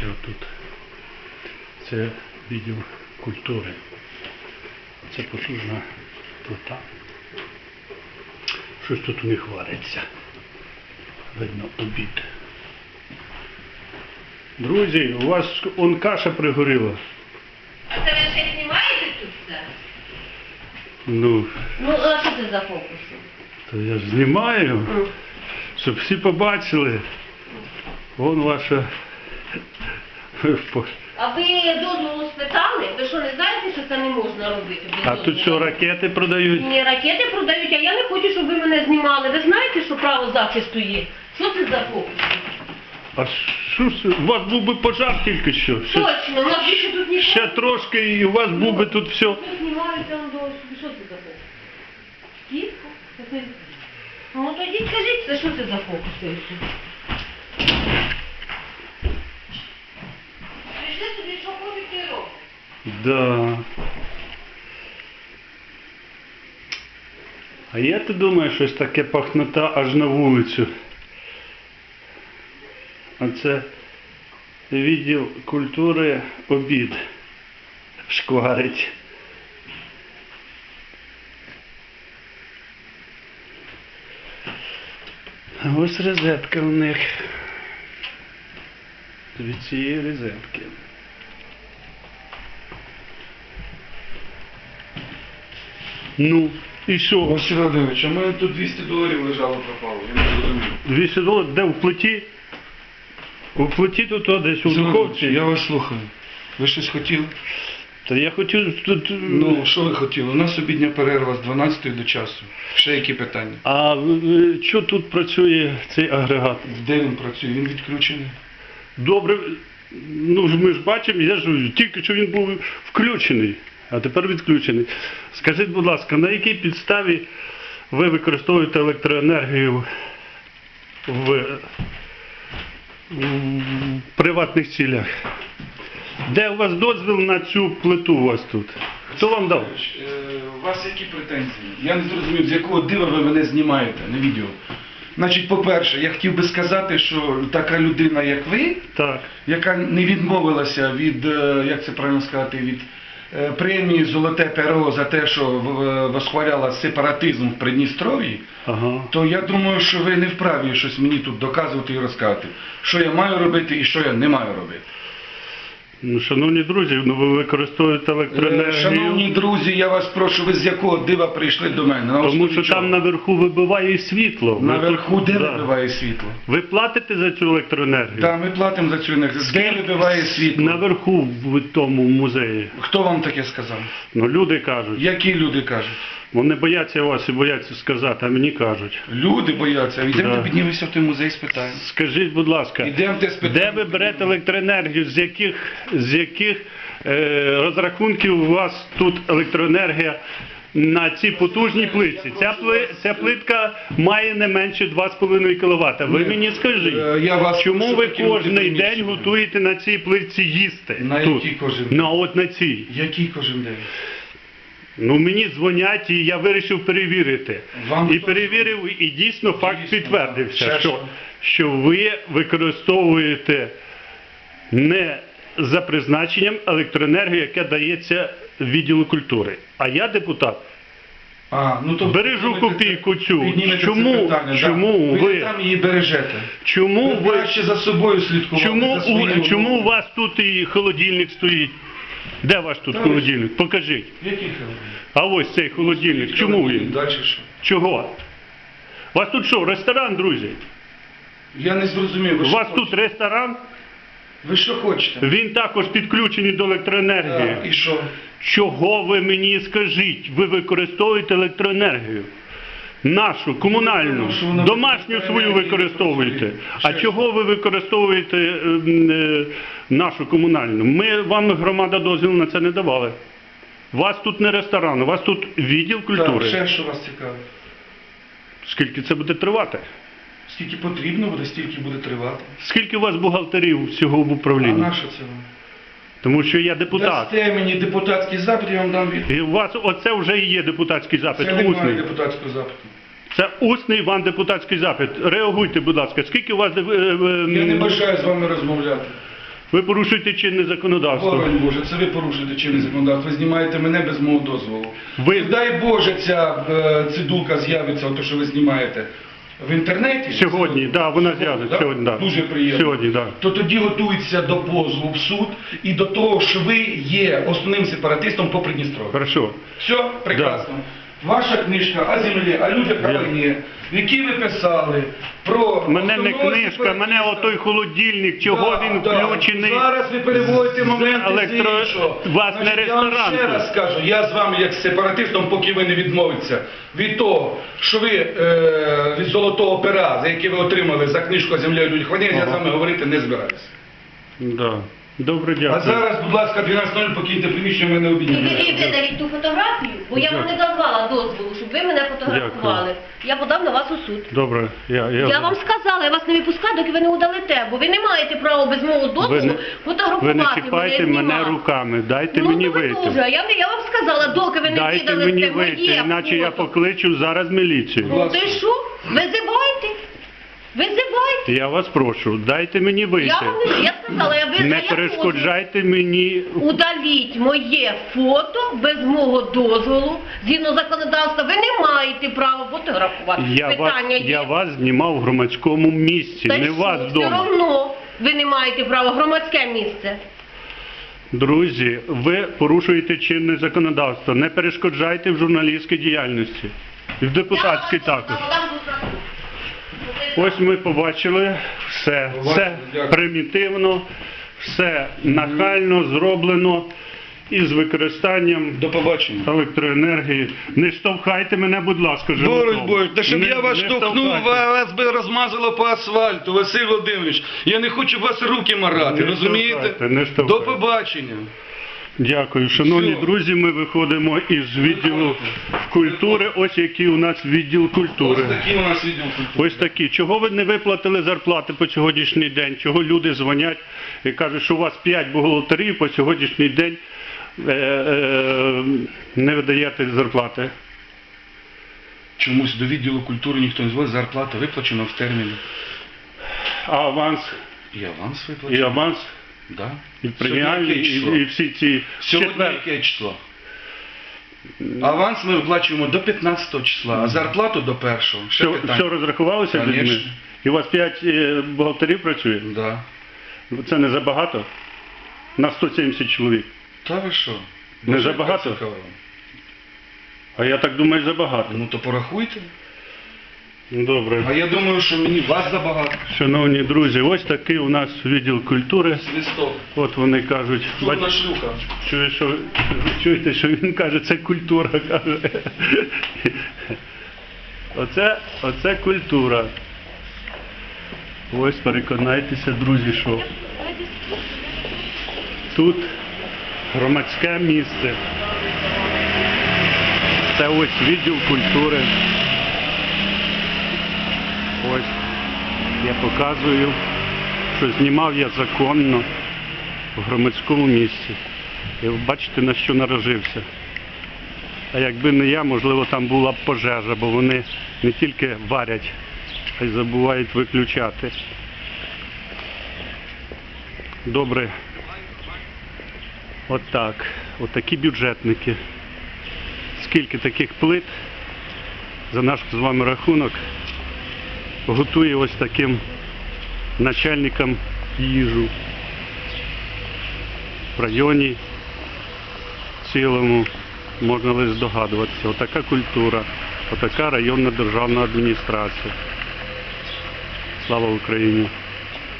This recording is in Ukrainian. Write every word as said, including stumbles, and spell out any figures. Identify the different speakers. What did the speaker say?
Speaker 1: Бачите, отут. Це відділ культури. Це потужна плита. Щось тут у них вариться. Видно, обід. Друзі, у вас он каша пригоріла.
Speaker 2: А це ви ще знімаєте тут все?
Speaker 1: Ну,
Speaker 2: Ну, а що це за фокуси?
Speaker 1: то я ж знімаю, щоб всі побачили. Вон ваша...
Speaker 2: А ви дозволу спитали? Ви що, не знаєте, що це не можна робити? без
Speaker 1: А тут
Speaker 2: дозволу?
Speaker 1: що, ракети продають?
Speaker 2: Ні, ракети продають, а я не хочу, щоб ви мене знімали. Ви знаєте, що право захисту є? Що це за фокуси?
Speaker 1: А що ж, у вас був би пожар тільки що. Ще,
Speaker 2: Точно, у нас більше тут ніхто.
Speaker 1: ще трошки і у вас був би тут все.
Speaker 2: Тут знімають там до... Що це за фокус? Кістка? Це це- Ну тоді скажіть, це що це за фокуси? Прийшли собі, що хочуть, і роблять.
Speaker 1: Да. А я ти думаю, щось таке пахнота аж на вулицю. А це відділ культури обід шкварить. А ось розетка у них. Від цієї розетки. Ну, і що?
Speaker 3: Василь Володимирович, а в мене тут двісті доларів лежало пропало, я не зрозумів.
Speaker 1: двісті доларів? Де в плиті? У плиті тут о, десь у
Speaker 3: Василь Володимирович,
Speaker 1: духовці.
Speaker 3: я вас слухаю. Ви щось хотіли?
Speaker 1: Та я хотів тут...
Speaker 3: Ну, що ви хотіли? У нас обідня перерва з дванадцятої до часу. Ще які питання?
Speaker 1: А е, що тут працює цей агрегат?
Speaker 3: Де він працює? Він відключений.
Speaker 1: Добре, ну ж ми ж бачимо, я ж тільки що він був включений, а тепер відключений. Скажіть, будь ласка, на якій підставі ви використовуєте електроенергію в, в приватних цілях? Де у вас дозвіл на цю плиту у вас тут? Хто вам дав?
Speaker 3: Е, У вас які претензії? Я не зрозумів, з якого дива ви мене знімаєте на відео. Значить, по-перше, я хотів би сказати, що така людина, як ви,
Speaker 1: Так.
Speaker 3: яка не відмовилася від, е, як це правильно сказати, від е, премії «Золоте перо» за те, що в- восхваляла сепаратизм в Придністров'ї,
Speaker 1: Ага.
Speaker 3: то я думаю, що ви не вправі щось мені тут доказувати і розказувати, що я маю робити і що я не маю робити.
Speaker 1: Ну, шановні друзі, ну ви використовуєте
Speaker 3: Е,
Speaker 1: електроенергію.
Speaker 3: Шановні друзі, я вас прошу, ви з якого дива прийшли до мене? На
Speaker 1: Тому
Speaker 3: основі
Speaker 1: що
Speaker 3: чого?
Speaker 1: там наверху вибиває світло. Ви
Speaker 3: Наверху
Speaker 1: тут-
Speaker 3: де
Speaker 1: да.
Speaker 3: вибиває світло?
Speaker 1: Ви платите за цю електроенергію?
Speaker 3: Так, ми платимо за цю енергію. Де вибиває світло?
Speaker 1: Наверху в тому музеї.
Speaker 3: Хто вам таке сказав?
Speaker 1: Ну, люди кажуть.
Speaker 3: Які люди кажуть?
Speaker 1: Вони бояться вас і бояться сказати, а мені кажуть.
Speaker 3: Люди бояться. Йдемо,
Speaker 1: Да.
Speaker 3: піднімемося в той музей, спитаємо.
Speaker 1: Скажіть, будь ласка,
Speaker 3: Ідемо, де спитаємо.
Speaker 1: де ви берете електроенергію, з яких, з яких е, розрахунків у вас тут електроенергія на цій потужній плитці? Ця, пли, ця плитка має не менше два з половиною кіловата. Ви
Speaker 3: Ні.
Speaker 1: мені скажіть,
Speaker 3: Е, я вас
Speaker 1: чому
Speaker 3: прошу
Speaker 1: ви
Speaker 3: таки бути
Speaker 1: кожен день
Speaker 3: приміщенням.
Speaker 1: готуєте на цій плитці їсти?
Speaker 3: На
Speaker 1: тут?
Speaker 3: якій кожен день?
Speaker 1: Ну, от на цій.
Speaker 3: Який кожен день?
Speaker 1: Ну, мені дзвонять, і я вирішив перевірити.
Speaker 3: Вам
Speaker 1: і
Speaker 3: хто
Speaker 1: перевірив, і дійсно факт
Speaker 3: Дійсно,
Speaker 1: підтвердився,
Speaker 3: ще
Speaker 1: що,
Speaker 3: що?
Speaker 1: що ви використовуєте не за призначенням електроенергію, яка дається відділу культури. А я депутат.
Speaker 3: А, ну, то
Speaker 1: Бережу копійку цю.
Speaker 3: Піднімете це
Speaker 1: Чому-
Speaker 3: питання,
Speaker 1: чому
Speaker 3: да. ви
Speaker 1: ви-
Speaker 3: там її бережете?
Speaker 1: Чому
Speaker 3: Ви
Speaker 1: ви,
Speaker 3: краще за собою слідкувати.
Speaker 1: чому,
Speaker 3: за своїм
Speaker 1: у, чому у
Speaker 3: внуком.
Speaker 1: вас тут і холодильник стоїть? Де ваш тут
Speaker 3: Та
Speaker 1: холодильник? Покажіть.
Speaker 3: Який холодильник?
Speaker 1: А ось цей холодильник. Чому він?
Speaker 3: Далі що?
Speaker 1: Чого? У вас тут що, ресторан, друзі?
Speaker 3: Я не зрозумів. Ви
Speaker 1: У
Speaker 3: що
Speaker 1: вас
Speaker 3: хочете?
Speaker 1: тут ресторан,
Speaker 3: Ви що хочете?
Speaker 1: він також підключений до електроенергії.
Speaker 3: А, і що?
Speaker 1: Чого ви мені скажіть? Ви використовуєте електроенергію. Нашу, комунальну,
Speaker 3: Тому що вона
Speaker 1: домашню
Speaker 3: електроенергія
Speaker 1: свою використовуєте.
Speaker 3: працює.
Speaker 1: А
Speaker 3: Ще
Speaker 1: чого ви використовуєте ем, е, нашу комунальну? Ми вам, громада, дозвіл на це не давали. У вас тут не ресторан, у вас тут відділ
Speaker 3: Так,
Speaker 1: культури.
Speaker 3: ще що вас цікавить?
Speaker 1: Скільки це буде тривати?
Speaker 3: Скільки потрібно буде, стільки буде тривати.
Speaker 1: Скільки у вас бухгалтерів всього в
Speaker 3: А
Speaker 1: управлінні?
Speaker 3: на що це вам?
Speaker 1: Тому що я депутат.
Speaker 3: Дасте мені депутатський запит, я вам дам відповідь.
Speaker 1: І у вас оце вже і є депутатський запит,
Speaker 3: Це немає
Speaker 1: усний.
Speaker 3: депутатського запиту.
Speaker 1: Це усний вам депутатський запит. Реагуйте, будь ласка. Скільки у вас... е, е,
Speaker 3: Я не бажаю з вами розмовляти.
Speaker 1: Ви порушуєте чинне законодавство.
Speaker 3: Боронь Боже, це ви порушуєте чинне законодавство, ви знімаєте мене без мого дозволу.
Speaker 1: Ви-
Speaker 3: І дай Боже, ця е, цидулка з'явиться, ото що ви знімаєте в інтернеті.
Speaker 1: Сьогодні, да, вона
Speaker 3: Сьогодні,
Speaker 1: з'явиться,
Speaker 3: да?
Speaker 1: сьогодні, да.
Speaker 3: Дуже приємно.
Speaker 1: Сьогодні, да.
Speaker 3: То тоді готується до позову в суд і до того, що ви є основним сепаратистом по Придністров'ю.
Speaker 1: Хорошо.
Speaker 3: Все, прекрасно. Ваша книжка «О землі, о людях, о війні», в якій ви писали про...
Speaker 1: Мене не
Speaker 3: основного
Speaker 1: книжка,
Speaker 3: сепаратиста.
Speaker 1: мене отой холодильник, чого
Speaker 3: Да,
Speaker 1: він
Speaker 3: да.
Speaker 1: включений.
Speaker 3: Зараз ви переводите
Speaker 1: з
Speaker 3: моменти
Speaker 1: електро-
Speaker 3: з іншого.
Speaker 1: Вас не
Speaker 3: Значить, я вам
Speaker 1: ресторан
Speaker 3: ще
Speaker 1: тут.
Speaker 3: раз скажу, я з вами як з сепаратистом, поки ви не відмовитеся від того, що ви е, від золотого пера, за яке ви отримали за книжку «О землі, о людях, війні», я з вами говорити не збираюся.
Speaker 1: Да. Добре,
Speaker 3: А
Speaker 1: дякую.
Speaker 3: зараз, будь ласка, дванадцять нуль покиньте приміщення, мене
Speaker 2: І ви
Speaker 3: обідні.
Speaker 2: видаліть ту фотографію, бо я вам не давала дозволу, щоб ви мене фотографували. Я подам на вас у суд.
Speaker 1: Добре, я, я,
Speaker 2: Я вам сказала, я вас не випускаю, доки ви не удалите, бо ви не маєте права без мого
Speaker 1: ви
Speaker 2: дозволу
Speaker 1: не,
Speaker 2: фотографувати
Speaker 1: ви не
Speaker 2: мене,
Speaker 1: чіпайте мене
Speaker 2: знімати.
Speaker 1: руками, дайте
Speaker 2: Ну,
Speaker 1: мені
Speaker 2: то ви
Speaker 1: вийти.
Speaker 2: дуже. Я, я вам сказала, доки ви не
Speaker 1: Дайте
Speaker 2: віддали
Speaker 1: мені
Speaker 2: це
Speaker 1: вийти,
Speaker 2: моє
Speaker 1: іначе я
Speaker 2: фото.
Speaker 1: покличу зараз міліцію.
Speaker 2: Ну то й що? Визивайте. Визивайте.
Speaker 1: Я вас прошу, дайте мені вийти.
Speaker 2: Я вам не я сказала, я ви
Speaker 1: Не
Speaker 2: я
Speaker 1: перешкоджайте мені.
Speaker 2: удаліть моє фото без мого дозволу. Згідно законодавства, ви не маєте права фотографувати.
Speaker 1: Я вас,
Speaker 2: Питання є.
Speaker 1: я вас знімав в громадському місці,
Speaker 2: Та й
Speaker 1: не
Speaker 2: що?
Speaker 1: вас
Speaker 2: Все
Speaker 1: вдома.
Speaker 2: одно ви не маєте права в громадське місце.
Speaker 1: Друзі, ви порушуєте чинне законодавство. Не перешкоджайте в журналістській діяльності. І в депутатській також. Ось ми побачили все. Все
Speaker 3: Дякую.
Speaker 1: примітивно, все нахально зроблено із використанням
Speaker 3: До побачення.
Speaker 1: електроенергії. Не штовхайте мене, будь ласка, животом.
Speaker 3: Боронь Боже, та щоб
Speaker 1: Не-
Speaker 3: я вас
Speaker 1: не
Speaker 3: штовхнув,
Speaker 1: штовхайте.
Speaker 3: вас би розмазало по асфальту, Василь Володимирович. Я не хочу вас руки марати,
Speaker 1: Не
Speaker 3: розумієте?
Speaker 1: штовхайте, не штовхайте.
Speaker 3: До побачення.
Speaker 1: Дякую. Шановні
Speaker 3: Все.
Speaker 1: друзі, ми виходимо із відділу культури. Ось який у нас відділ культури.
Speaker 3: Ось такий у нас відділ культури.
Speaker 1: Ось такі. Чого ви не виплатили зарплати по сьогоднішній день? Чого люди дзвонять і кажуть, що у вас п'ять бухгалтерів по сьогоднішній день е, е, не видаєте зарплати?
Speaker 3: Чомусь до відділу культури ніхто не звозить, зарплата виплачена в терміні.
Speaker 1: А аванс,
Speaker 3: І аванс
Speaker 1: і
Speaker 3: виплачений.
Speaker 1: аванс,
Speaker 3: Да.
Speaker 1: і преміальні,
Speaker 3: Сьогодні яке
Speaker 1: і,
Speaker 3: число?
Speaker 1: і всі ці
Speaker 3: Сьогодні
Speaker 1: четвер.
Speaker 3: яке число? Аванс ми виплачуємо до п'ятнадцятого числа, а зарплату до першого. Ще
Speaker 1: Все,
Speaker 3: питання.
Speaker 1: все розрахувалося з людьми?
Speaker 3: Конечно.
Speaker 1: І у вас п'ять е, бухгалтерів працює?
Speaker 3: Да.
Speaker 1: Це не забагато? На сто сімдесят чоловік.
Speaker 3: Та ви що?
Speaker 1: Не
Speaker 3: Дуже
Speaker 1: забагато?
Speaker 3: цікаво.
Speaker 1: А я так думаю, забагато.
Speaker 3: Ну то порахуйте.
Speaker 1: Добре.
Speaker 3: А я думаю, що мені вас забагато.
Speaker 1: Шановні друзі, ось такий у нас відділ культури.
Speaker 3: Свисток.
Speaker 1: От вони кажуть,
Speaker 3: Чудна
Speaker 1: бач,
Speaker 3: шлюха.
Speaker 1: чуєш, що, чуєте, що він каже, це культура, каже. Оце, оце культура. Ось переконайтеся, друзі, що тут громадське місце. Це ось відділ культури. Ось я показую, що знімав я законно в громадському місці. І ви бачите, на що наражився. А якби не я, можливо, там була б пожежа, бо вони не тільки варять, а й забувають виключати. Добре. Отак. Отакі бюджетники. Скільки таких плит за наш з вами рахунок готує ось таким начальникам їжу в районі цілому, можна лише здогадуватися. Отака культура, отака районна державна адміністрація. Слава Україні!